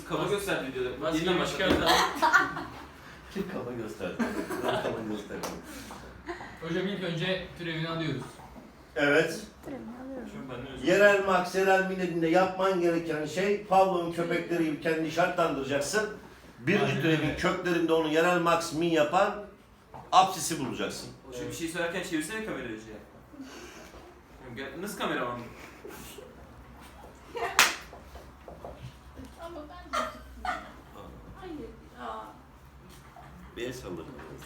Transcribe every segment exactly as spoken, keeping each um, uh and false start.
Kaba gösterdi videoda. Maskeyi Yeniden başladı. çıkardı. Kim kafa gösterdi? Ben kafa gösterdim. Hocam ilk önce türevini alıyoruz. Evet. Şimdi ben de özür Yerel maks, yerel milletinde yapman gereken şey Pavlov'un köpekleri gibi kendini şartlandıracaksın. Birinci Aynen türevin öyle. köklerinde onu yerel maks min yapan apsisi bulacaksın. Hocam bir şey söylerken çevirsene kamerayı hocaya. Gel- Nasıl kameraman? Ama ben de hayır ya. Bir el sallarım.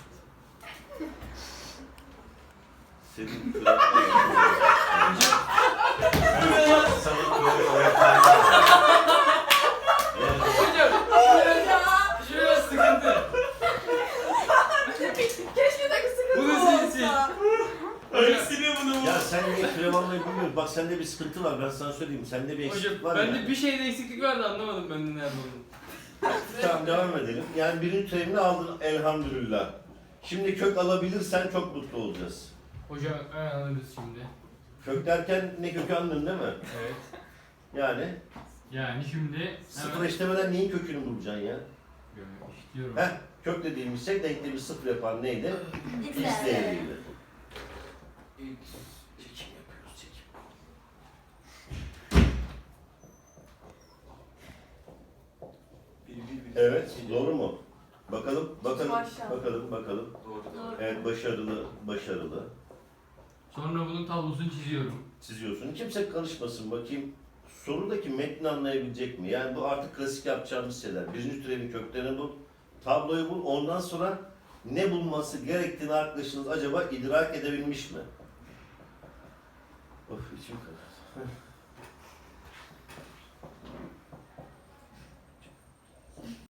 Senin Hocam Ya. şöyle sıkıntı. Keşke de sıkıntı Bunu sil, sil. olsa. Öyle siliyor bunu. Ya sen niye kürev almayı bilmiyorsun? Bak sende bir sıkıntı var, ben sana söyleyeyim. Sende bir Hocam eksiklik var bende yani. bir şeyde eksiklik vardı, anlamadım ben de nerede olduğunu. Tamam, devam edelim. Yani birinci türevini aldın elhamdülillah. Şimdi kök alabilirsen çok mutlu olacağız. Hocam hemen alırız şimdi. Kök derken ne kökü anladın değil mi? Evet. Yani Yani şimdi sıfır hemen işlemeden neyin kökünü bulacaksın ya? işliyorum. Heh, kök dediğimiz şey denklemi sıfır yapan neydi? X değeriydi. Çekim yapıyoruz, çekim. Bir, bir, bir. Evet, doğru mu? Bakalım, bakalım, Maşallah. bakalım, bakalım. Doğru. Doğru. Evet, başarılı, başarılı. Sonra bunun tablosunu çiziyorum. Çiziyorsun. Kimse karışmasın, bakayım. Sorudaki metni anlayabilecek mi? Yani bu artık klasik yapacağımız şeyler. Birinci türevin köklerini bul, tabloyu bul. Ondan sonra ne bulması gerektiğini arkadaşınız acaba idrak edebilmiş mi? Of, içim karardı.